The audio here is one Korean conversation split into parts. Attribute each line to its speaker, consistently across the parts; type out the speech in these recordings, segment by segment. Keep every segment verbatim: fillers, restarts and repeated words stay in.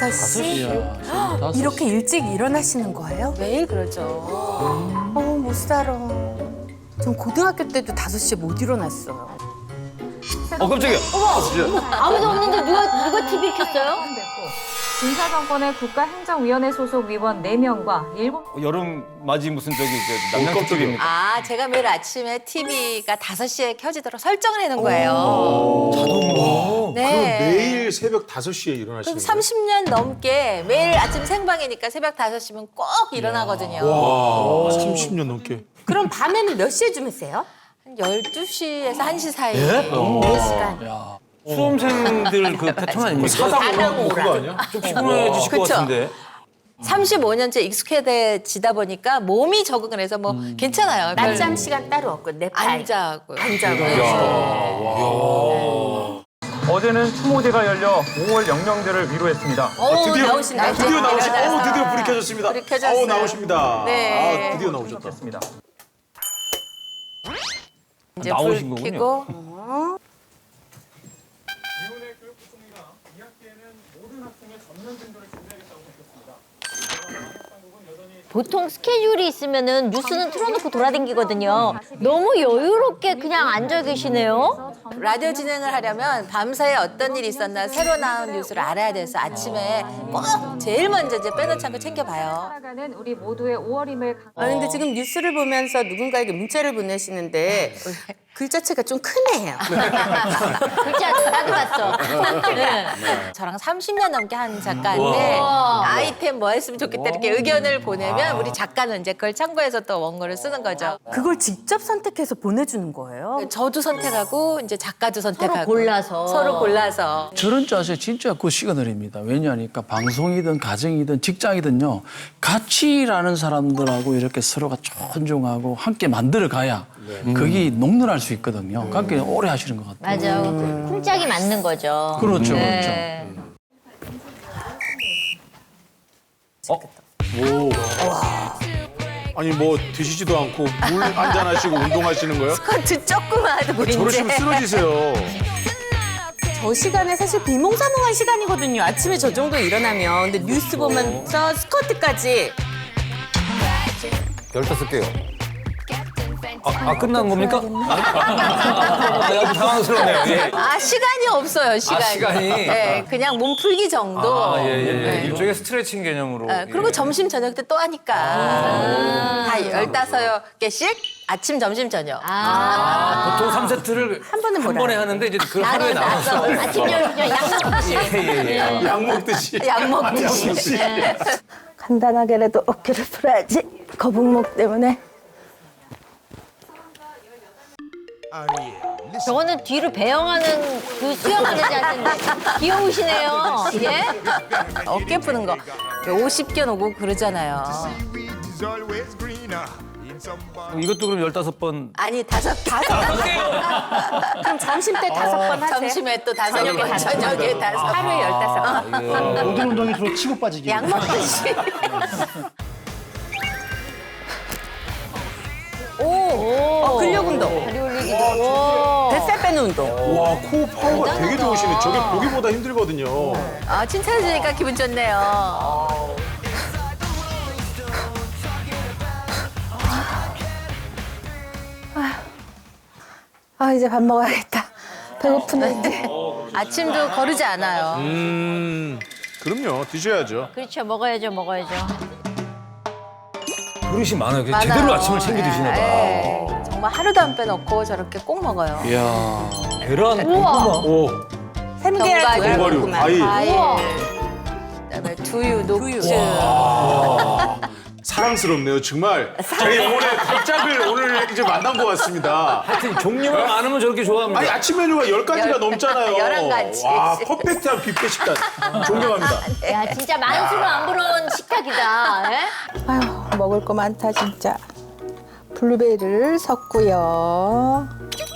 Speaker 1: 다섯 시? 이렇게 일찍 일어나시는 거예요?
Speaker 2: 매일 그러죠.
Speaker 1: 어, 못 살아. 전 고등학교 때도 다섯 시에 못 일어났어요.
Speaker 3: 어 깜짝이야.
Speaker 4: 아무도 없는데 누가 누가 티비 켰어요?
Speaker 5: 군사정권의 국가행정위원회 소속 위원 네 명과 일본
Speaker 3: 여름 맞이 무슨 저기 저 남양 티비입니까?
Speaker 2: 아, 제가 매일 아침에 티비가 다섯 시에 켜지도록 설정을 해놓은 거예요.
Speaker 3: 자동으로.
Speaker 2: 네.
Speaker 6: 그럼 매일 새벽 다섯 시에 일어나시는
Speaker 2: 그럼
Speaker 6: 거예요?
Speaker 2: 삼십 년 넘게 매일 아침 생방이니까 새벽 다섯 시면 꼭 일어나거든요.
Speaker 6: 와, 삼십 년 넘게.
Speaker 1: 그럼 밤에는 몇 시에 주무세요?
Speaker 2: 한 열두 시에서 한 시 사이.
Speaker 1: 네 시간.
Speaker 3: 수험생들 그 패턴 아닙니까?
Speaker 6: 사상 그거 아니야?
Speaker 3: 좀 피곤해지실 것
Speaker 2: 그쵸?
Speaker 3: 같은데.
Speaker 2: 삼십오 년째 익숙해지다 보니까 몸이 적응을 해서 뭐 괜찮아요. 별-
Speaker 1: 낮잠 시간 따로 없고 내팔
Speaker 2: 안 자고요.
Speaker 1: 안 자고.
Speaker 7: 어제는 추모제가 열려 오월 영명제를 위로했습니다.
Speaker 2: 어,
Speaker 6: 드디어
Speaker 2: 나오신다.
Speaker 6: 아, 드디어 나오시다.
Speaker 2: 일어나서.
Speaker 6: 어, 드디어 불이 켜졌습니다.
Speaker 2: 불이 켜졌어요.
Speaker 6: 어, 나오십니다.
Speaker 2: 네.
Speaker 6: 아, 드디어 나오셨다.
Speaker 7: 했습니다.
Speaker 2: 이제
Speaker 3: 나오신
Speaker 2: 불
Speaker 3: 거군요.
Speaker 2: 켜고
Speaker 4: 보통 스케줄이 있으면은 뉴스는 틀어놓고 돌아다니거든요. 너무 여유롭게 그냥 앉아 계시네요.
Speaker 2: 라디오 진행을 하려면 밤사이에 어떤 일이 있었나 새로 나온 뉴스를 알아야 돼서 아침에 꼭 제일 먼저 이제 빼놓지 않고 챙겨봐요.
Speaker 5: 살아가는 우리 모두의 오월임을 강...
Speaker 1: 아, 근데 지금 뉴스를 보면서 누군가에게 문자를 보내시는데 글자체가 좀 크네요.
Speaker 4: 글자 나도 봤어. 네.
Speaker 2: 저랑 삼십 년 넘게 한 작가인데 아이템 뭐 했으면 좋겠다 이렇게 의견을 보내면 우리 작가는 이제 그걸 참고해서 또 원고를 쓰는 거죠.
Speaker 1: 그걸 직접 선택해서 보내주는 거예요?
Speaker 2: 저도 선택하고 이제 작가도 선택하고
Speaker 4: 서로 골라서.
Speaker 2: 서로 골라서
Speaker 8: 저런 자세 진짜 그 시그널입니다. 왜냐하니까 방송이든 가정이든 직장이든요. 같이 일하는 사람들하고 이렇게 서로가 존중하고 함께 만들어 가야 그게 녹는할 수 있거든요. 그러니까 오래 하시는 것 같아요.
Speaker 4: 맞아. 쿵짝이 맞는 거죠.
Speaker 8: 그렇죠,
Speaker 4: 네.
Speaker 6: 아니 뭐 드시지도 않고 물 한잔 하시고 운동하시는 거예요?
Speaker 2: 스쿼트 조금만 하고 이제
Speaker 6: 저러시면 쓰러지세요.
Speaker 1: 저 시간에 사실 비몽사몽한 시간이거든요. 아침에 저 정도 일어나면. 근데 뉴스 보면서 스커트까지.
Speaker 3: 열다섯 개요. 아, 아 끝난 겁니까? 아, 약간 당황스럽네요. 예.
Speaker 2: 아 시간이 없어요 시간이.
Speaker 3: 아, 시간이?
Speaker 2: 네, 그냥 몸 풀기 정도.
Speaker 3: 아, 예, 예, 예.
Speaker 2: 네.
Speaker 3: 일종의 스트레칭 개념으로.
Speaker 2: 네, 그리고
Speaker 3: 예.
Speaker 2: 점심 저녁 때 또 하니까 다 열다섯 개씩 아침 점심 저녁.
Speaker 3: 아, 보통 삼 세트를 한
Speaker 1: 번에
Speaker 3: 한
Speaker 1: 몰아요.
Speaker 3: 번에 하는데 이제 그 하루에 나눠서.
Speaker 4: 아침 저녁 양념
Speaker 3: 예, 예, 예.
Speaker 6: 약 먹듯이.
Speaker 2: 약 먹듯이.
Speaker 9: 간단하게라도 어깨를 풀어야지. 거북목 때문에.
Speaker 4: 저거는 뒤로 배영하는 그 수영하는 자세인데 귀여우시네요. 예?
Speaker 2: 어깨 푸는 거 오십 개 오고 그러잖아요.
Speaker 3: 이것도 그럼 열다섯 번.
Speaker 2: 아니 다섯 다섯
Speaker 1: 그럼 점심 때 다섯 번 하세요?
Speaker 2: 점심에 또 다섯
Speaker 1: 저녁에
Speaker 2: 번
Speaker 1: 다섯
Speaker 2: 저녁에 다섯 번
Speaker 1: 하루에 열다섯 번.
Speaker 10: 모든 운동이 주로 치고 빠지기.
Speaker 2: 약 먹듯이.
Speaker 1: 어, 근력 운동.
Speaker 4: 다리 올리기도.
Speaker 1: 뱃살 빼는 운동.
Speaker 6: 와, 코어 파워가 되게 좋으시네. 저게 보기보다 힘들거든요.
Speaker 2: 아 칭찬해 주니까 기분 좋네요.
Speaker 9: 아, 이제 밥 먹어야겠다. 배고프네.
Speaker 2: 아침도 거르지 않아요.
Speaker 6: 음, 그럼요. 드셔야죠.
Speaker 4: 그렇죠. 먹어야죠. 먹어야죠.
Speaker 3: 그릇이 많아요. 그냥
Speaker 2: 많아요.
Speaker 3: 제대로 아침을 챙겨 드시나 봐.
Speaker 2: 네, 정말 하루도 안 빼놓고 저렇게 꼭 먹어요.
Speaker 3: 이야. 계란, 고구마.
Speaker 6: 오,
Speaker 1: 햄계란,
Speaker 2: 견과류,
Speaker 1: 두알,
Speaker 6: 견과류,
Speaker 1: 고구마.
Speaker 6: 과일.
Speaker 2: 과일. 그다음에 두유, 녹주.
Speaker 6: 사랑스럽네요. 정말 저희 영혼의 달짝을 오늘 이제 만난 것 같습니다.
Speaker 3: 하여튼 종류가 많으면 저렇게 좋아합니다.
Speaker 6: 아니 아침 메뉴가 열 가지가
Speaker 2: 열-
Speaker 6: 넘잖아요.
Speaker 2: 열한 가지.
Speaker 6: 와, 퍼펙트한 뷔페 식단. 존경합니다.
Speaker 4: 야 진짜 만수로 안 부러운 식탁이다. 예?
Speaker 9: 아휴, 먹을 거 많다, 진짜. 블루베리를 섞고요.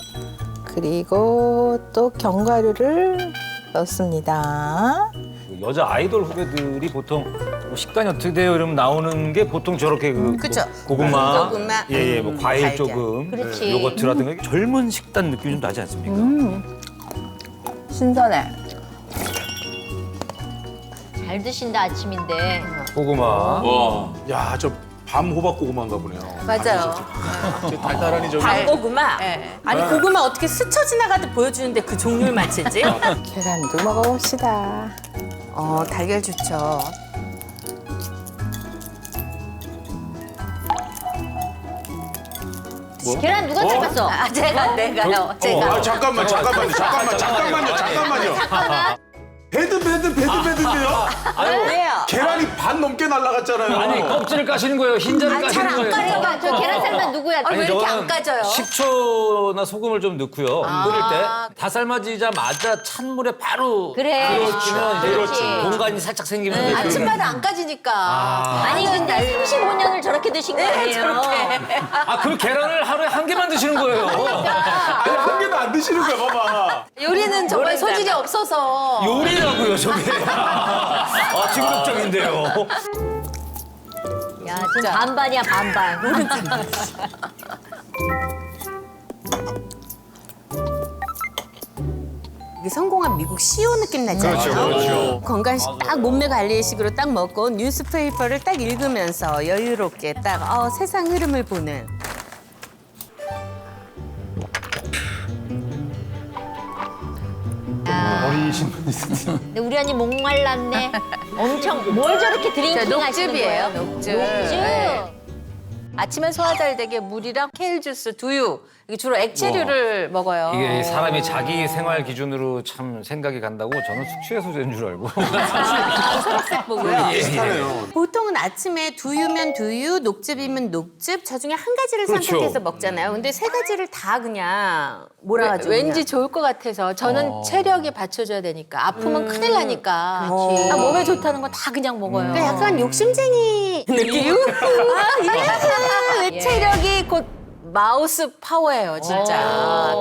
Speaker 9: 그리고 또 견과류를 넣습니다.
Speaker 3: 여자 아이돌 후배들이 보통 뭐 식단이 어떻게 돼요? 이러면 나오는 게 보통 저렇게 그
Speaker 1: 그쵸.
Speaker 3: 뭐 고구마,
Speaker 1: 고구마,
Speaker 3: 예, 예, 뭐 과일
Speaker 1: 달걀.
Speaker 3: 조금,
Speaker 4: 그렇지.
Speaker 3: 예, 요거트라든가 젊은 식단 느낌이 좀 나지 않습니까?
Speaker 9: 신선해.
Speaker 4: 잘 드신다 아침인데.
Speaker 3: 고구마.
Speaker 6: 와. 야, 저 밤 호박 고구마인가 보네요.
Speaker 2: 맞아요.
Speaker 6: 저 달달하니 저기.
Speaker 1: 밤고구마?
Speaker 2: 네.
Speaker 1: 아니 고구마 어떻게 스쳐 지나가듯 보여주는데 그 종류를 맞히지?
Speaker 9: 계란도 먹어봅시다.
Speaker 1: 어 달걀 좋죠.
Speaker 4: 계란 누가 삶았어?
Speaker 2: 아, 제가, 내가요. 제가.
Speaker 6: 아, 잠깐만, 잠깐만요, 잠깐만, 잠깐만요, 잠깐만요. 배드, 배드, 배드, 배드인데요?
Speaker 1: 왜요?
Speaker 6: 계란이 반 넘게 날아갔잖아요.
Speaker 3: 아니 껍질을 까시는 거예요. 흰자를
Speaker 2: 아,
Speaker 3: 까시는
Speaker 2: 잘안
Speaker 3: 거예요.
Speaker 2: 까요.
Speaker 4: 저, 저 계란 삶은 누구야?
Speaker 2: 아, 왜 이렇게
Speaker 3: 저는
Speaker 2: 안 까져요?
Speaker 3: 식초나 소금을 좀 넣고요. 끓일 때 다 삶아지자마자 찬물에 바로
Speaker 4: 그래.
Speaker 3: 들어주면 이제
Speaker 4: 그렇지.
Speaker 3: 공간이 살짝 생기면
Speaker 2: 네,
Speaker 3: 이제
Speaker 2: 아침마다 안 까지니까.
Speaker 4: 아니 근데 삼십오 년을 저렇게 드신 거 아니에요?
Speaker 3: 아, 그 계란을 하루에 한 개만 드시는 거예요.
Speaker 6: 아니, 한 개도 안 드시는 거야, 봐봐.
Speaker 2: 요리는 정말 소질이 없어서.
Speaker 3: 요리라고요, 저게. 아, 중독적인데요.
Speaker 4: 야 지금 반반이야 반반.
Speaker 1: 이게 성공한 미국 씨오 느낌 나잖아요.
Speaker 6: 그렇죠, 그렇죠.
Speaker 1: 건강식 딱 몸매 관리식으로 딱 먹고 뉴스페이퍼를 딱 읽으면서 여유롭게 딱 어, 세상 흐름을 보는.
Speaker 6: 어리신 분이 있으세요.
Speaker 4: 근데 우리 언니 목말랐네. 엄청 뭘 저렇게
Speaker 2: 저
Speaker 4: 드링킹 하시는
Speaker 2: 녹즙이에요,
Speaker 4: 거예요?
Speaker 2: 녹즙.
Speaker 4: 녹즙.
Speaker 2: 네. 아침에 소화 잘 되게 물이랑 케일 주스, 두유. 이게 주로 액체류를 먹어요.
Speaker 3: 이게 사람이 자기 생활 기준으로 참 생각이 간다고 저는 숙취해소제인 줄 알고.
Speaker 2: 초록색 보고요.
Speaker 6: 비슷하네요.
Speaker 1: 보통은 아침에 두유면 두유, 녹즙이면 녹즙, 저 중에 한 가지를
Speaker 3: 그렇죠.
Speaker 1: 선택해서 먹잖아요. 근데 세 가지를 다 그냥 몰아가지고.
Speaker 2: 왠지
Speaker 1: 그냥.
Speaker 2: 좋을 것 같아서 저는 체력에 받쳐줘야 되니까 아프면 큰일 나니까
Speaker 1: 그렇지.
Speaker 2: 아, 몸에 좋다는 거 다 그냥 먹어요.
Speaker 1: 그러니까 약간 욕심쟁이 느낌? 아, 이래서
Speaker 2: 예. 체력이 곧 마우스 파워예요, 진짜.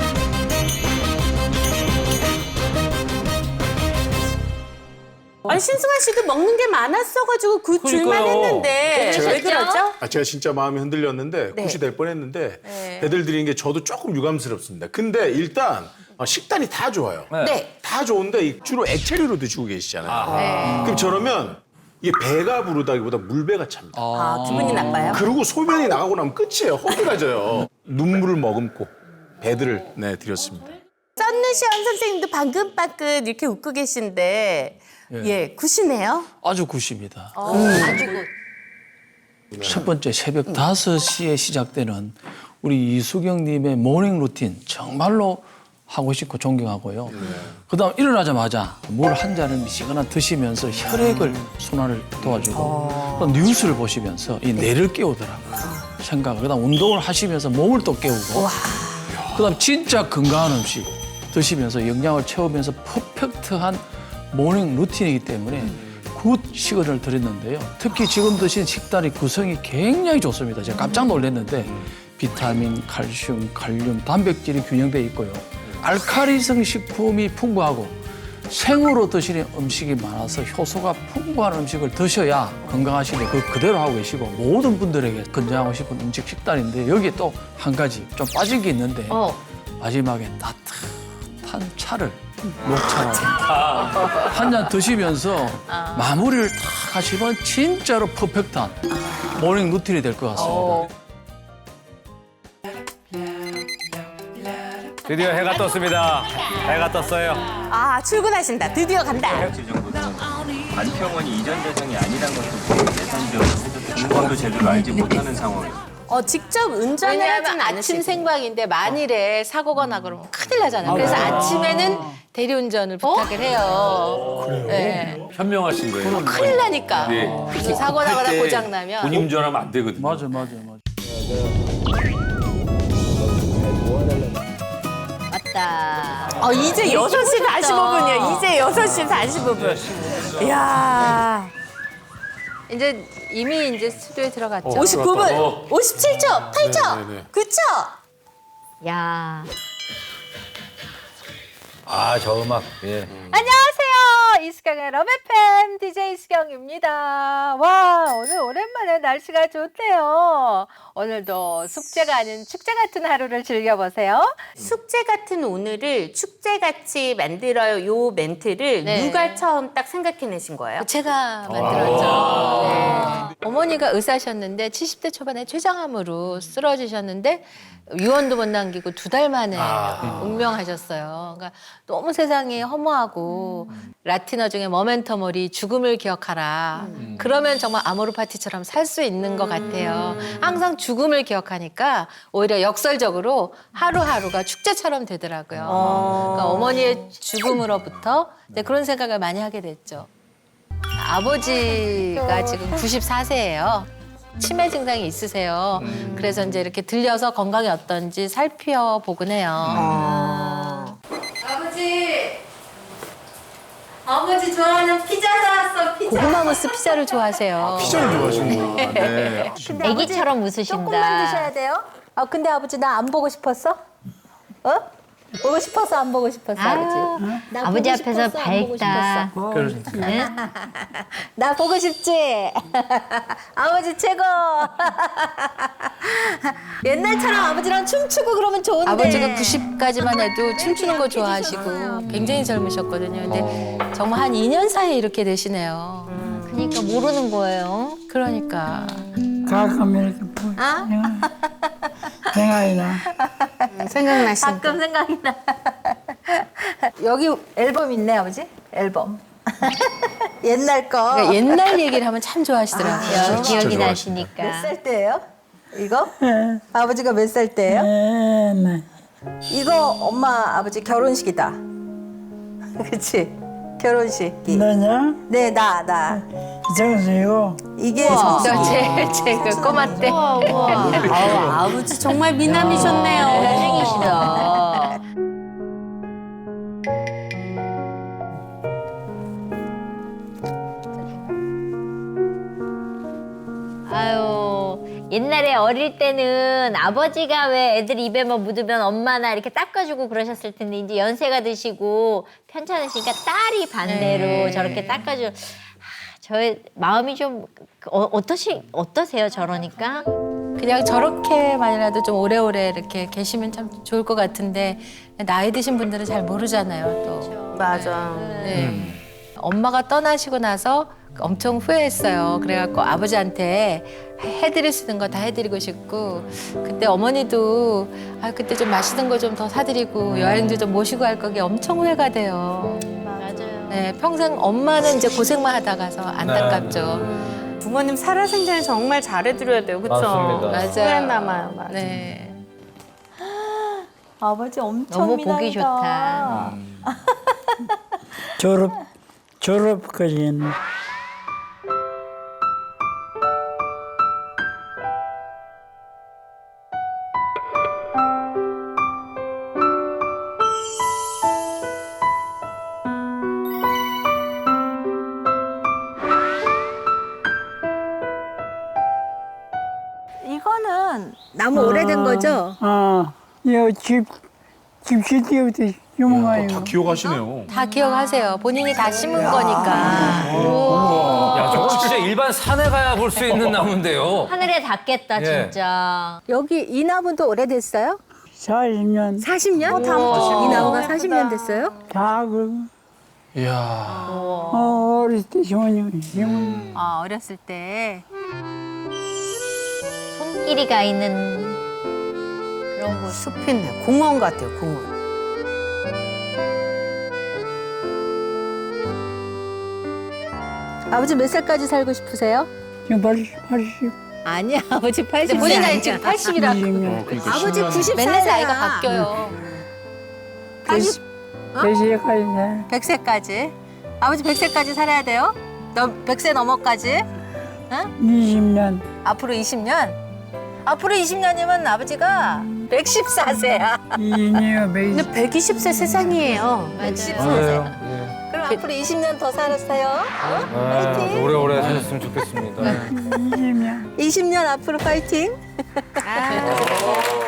Speaker 1: 아니 신승환 씨도 먹는 게 많았어가지고 그 줄만
Speaker 3: 그러니까요.
Speaker 1: 했는데 왜 그러죠?
Speaker 6: 아, 제가 진짜 마음이 흔들렸는데
Speaker 1: 네.
Speaker 6: 굿이 될 뻔했는데
Speaker 2: 네.
Speaker 6: 배들 드리는 게 저도 조금 유감스럽습니다. 근데 일단 어, 식단이 다 좋아요.
Speaker 1: 네.
Speaker 6: 다 좋은데 이- 주로 액체류로 드시고 계시잖아요.
Speaker 2: 네.
Speaker 6: 그럼 저러면 이게 배가 부르다기보다 물배가 찹니다.
Speaker 1: 아 기분이 나빠요?
Speaker 6: 그리고 소변이 나가고 나면 끝이에요. 허기가 져요. 눈물을 머금고 배들을 네, 드렸습니다.
Speaker 1: 썬누시원 선생님도 방금 빠끗 이렇게 웃고 계신데 예, 굿이네요.
Speaker 8: 아주 굿입니다.
Speaker 4: 아주 굿.
Speaker 8: 첫 번째 새벽 다섯 시에 시작되는 우리 이수경님의 모닝 루틴 정말로 하고 싶고 존경하고요. 그다음 일어나자마자 물 한 잔을 미시거나 드시면서 혈액을 순환을 도와주고 또 뉴스를 보시면서 이 뇌를 깨우더라고요. 생각을. 그다음 운동을 하시면서 몸을 또 깨우고 그다음 진짜 건강한 음식 드시면서 영양을 채우면서 퍼펙트한 모닝 루틴이기 때문에 굿 시그널을 드렸는데요. 특히 지금 드신 식단의 구성이 굉장히 좋습니다. 제가 깜짝 놀랐는데 비타민, 칼슘, 칼륨, 단백질이 균형되어 있고요. 알칼리성 식품이 풍부하고 생으로 드시는 음식이 많아서 효소가 풍부한 음식을 드셔야 건강하시는데 그 그대로 하고 계시고 모든 분들에게 권장하고 싶은 음식 식단인데 여기에 또 한 가지 좀 빠진 게 있는데
Speaker 4: 어.
Speaker 8: 마지막에 따뜻한 차를 녹차라고 한 잔 드시면서 마무리를 딱 하시면 진짜로 퍼펙트한 모닝 루틴이 될 것 같습니다.
Speaker 3: 드디어 해가 떴습니다. 해가 떴어요.
Speaker 1: 아 출근하신다. 드디어 간다.
Speaker 10: 안평원이 이전 재정이 아니란 것도 예상되었고 중간도 제대로 알지 못하는 상황이에요.
Speaker 1: 어 직접 운전을
Speaker 2: 왜냐하면
Speaker 1: 하진
Speaker 2: 아침
Speaker 1: 않으시고.
Speaker 2: 생방인데 만일에 사고가 나 그러면 큰일 나잖아요. 그래서 아침에는 대리운전을 부탁을 해요. 네.
Speaker 3: 현명하신 거예요.
Speaker 2: 큰일 나니까.
Speaker 3: 네.
Speaker 2: 이 사고 나거나 고장 나면.
Speaker 3: 본인 운전하면 안 되거든요.
Speaker 8: 맞아, 맞아, 맞아.
Speaker 4: 맞다.
Speaker 1: 어 이제 여섯 시 사십오 분이에요. 이제 여섯 시 사십오 분. 이야.
Speaker 2: 이제 이미 이제 스튜디오에 들어갔죠.
Speaker 1: 오십구 분,
Speaker 6: 어.
Speaker 1: 오십칠 초, 팔 초,
Speaker 6: 네, 네, 네.
Speaker 1: 구 초.
Speaker 4: 야.
Speaker 3: 아, 저 음악. 예.
Speaker 2: 안녕하세요. 이수경의 러브에프엠 디제이 수경입니다. 와, 오늘 오랜만에 날씨가 좋네요. 오늘도 숙제가 아닌 축제 같은 하루를 즐겨보세요.
Speaker 1: 숙제 같은 오늘을 축제같이 만들어요. 요 멘트를
Speaker 2: 네.
Speaker 1: 누가 처음 딱 생각해내신 거예요?
Speaker 2: 제가 만들었죠. 네. 어머니가 의사셨는데 칠십 대 초반에 췌장암으로 쓰러지셨는데 유언도 못 남기고 두 달 만에 운명하셨어요. 그러니까 너무 세상이 허무하고 라틴어 중에 모멘터모리 죽음을 기억하라. 그러면 정말 아모르 파티처럼 살 수 있는 것 같아요. 항상 죽음을 기억하니까 오히려 역설적으로 하루하루가 축제처럼 되더라고요. 그러니까 어머니의 죽음으로부터 이제 그런 생각을 많이 하게 됐죠. 아버지가 지금 구십사 세예요. 치매 증상이 있으세요. 그래서 이제 이렇게 들려서 건강이 어떤지 살펴보곤 해요.
Speaker 1: 아.
Speaker 2: 아버지, 아버지 좋아하는 피자 사왔어. 피자. 고구마 무스 피자를 좋아하세요.
Speaker 6: 피자를 좋아하시는구나. 네.
Speaker 2: 근데
Speaker 4: 애기처럼
Speaker 2: 아버지
Speaker 4: 웃으신다.
Speaker 2: 조금만 드셔야 돼요. 아 근데 아버지 나 안 보고 싶었어? 어? 보고 싶어서 안 보고 싶었어 아버지. 나
Speaker 4: 아버지
Speaker 2: 보고
Speaker 4: 앞에서
Speaker 2: 싶었어, 안 보고
Speaker 4: 밝다.
Speaker 2: 싶었어? 나 보고 싶지? 아버지 최고. 옛날처럼 아버지랑 춤추고 그러면 좋은데. 아버지가 구십까지만 해도 춤추는 거 좋아하시고 굉장히 젊으셨거든요. 근데 정말 한 이 년 사이에 이렇게 되시네요.
Speaker 4: 그러니까 모르는 거예요.
Speaker 2: 그러니까.
Speaker 11: 가끔 이렇게 보면 생각이 나.
Speaker 1: 생각나시니까.
Speaker 2: 가끔 생각이 나. 여기 앨범 있네 아버지? 앨범. 옛날 거. 그러니까 옛날 얘기를 하면 참 좋아하시더라고요.
Speaker 4: 아, 기억이
Speaker 6: 좋아하시네.
Speaker 4: 나시니까.
Speaker 2: 몇 살 때예요? 이거? 아버지가 몇 살 때예요?
Speaker 11: 네.
Speaker 2: 이거 엄마 아버지 결혼식이다. 그렇지? 결혼식이.
Speaker 11: 너냐?
Speaker 2: 네, 나, 나.
Speaker 11: 정수이고
Speaker 2: 이게 제일 제그 꼬마 때.
Speaker 1: 아우, 아버지 정말 미남이셨네요.
Speaker 4: 잘생기시다. 아유, 옛날에 어릴 때는 아버지가 왜 애들 입에 뭐 묻으면 엄마나 이렇게 닦아주고 그러셨을 텐데 이제 연세가 드시고 편찮으시니까 딸이 반대로
Speaker 2: 네.
Speaker 4: 저렇게 닦아줘. 아, 저의 마음이 좀 어, 어떠시 어떠세요 저러니까?
Speaker 2: 그냥 저렇게만이라도 좀 오래오래 이렇게 계시면 참 좋을 것 같은데 나이 드신 분들은 잘 모르잖아요, 또.
Speaker 1: 맞아.
Speaker 2: 네. 엄마가 떠나시고 나서 엄청 후회했어요. 그래갖고 아버지한테 해드릴 수 있는 거 다 해드리고 싶고 그때 어머니도 아 그때 좀 맛있는 거 좀 더 사드리고 여행도 좀 모시고 할 거기 엄청 후회가 돼요.
Speaker 4: 맞아요.
Speaker 2: 네, 평생 엄마는 이제 고생만 하다 가서 안타깝죠.
Speaker 1: 부모님 살아생전에 정말 잘해드려야 돼요. 그쵸?
Speaker 3: 맞습니다.
Speaker 2: 맞아요.
Speaker 1: 후회 남아요. 맞아.
Speaker 2: 네. 아버지 엄청
Speaker 4: 너무
Speaker 2: 미남이다.
Speaker 4: 보기 좋다.
Speaker 11: 졸업 졸업까지는
Speaker 2: 이거는 너무 오래된 거죠?
Speaker 11: 아, 이집 집시 때부터 유명해요.
Speaker 6: 다 기억하시네요.
Speaker 2: 다 기억하세요. 본인이 다 심은 거니까.
Speaker 3: 야, 저거 진짜 일반 산에 가야 볼 수 있는 나무인데요.
Speaker 4: 하늘에 닿겠다
Speaker 3: 예.
Speaker 4: 진짜.
Speaker 2: 여기 이 나무도 오래됐어요?
Speaker 11: 사십 년
Speaker 2: 사십 년? 이 나무가 사십 년 됐어요?
Speaker 11: 다 그러고
Speaker 8: 이야.
Speaker 11: 어, 어릴 때 시원히 시원.
Speaker 2: 아, 어렸을 때.
Speaker 4: 손길이 가 있는 그런 곳.
Speaker 1: 숲이네. 공원 같아요, 공원.
Speaker 2: 아버지 몇 살까지 살고 싶으세요?
Speaker 11: 지금 팔십, 팔십,
Speaker 2: 아니야, 아버지 팔십. 본인 나이 지금 팔십이라.
Speaker 11: 이십 년.
Speaker 2: 아버지 구십사 세야. 맨날 나이가 바뀌어요.
Speaker 11: 백- 백 세까지 돼.
Speaker 2: 백 세까지. 아버지 백 세까지 살아야 돼요? 너 백 세 넘어까지?
Speaker 11: 이십 년.
Speaker 2: 앞으로 이십 년? 앞으로 이십 년이면 아버지가 백십사 세야.
Speaker 11: 이 년 백.
Speaker 1: 근데 백이십 세 세상이에요.
Speaker 2: 백십사
Speaker 3: 맞아요.
Speaker 2: 세.
Speaker 3: 예.
Speaker 2: 그럼 앞으로 이십 년 더 살았어요? 어?
Speaker 3: 아,
Speaker 2: 파이팅.
Speaker 3: 오래오래 사셨으면 좋겠습니다.
Speaker 11: 이십 년.
Speaker 2: 이십 년 앞으로 파이팅.
Speaker 1: 아,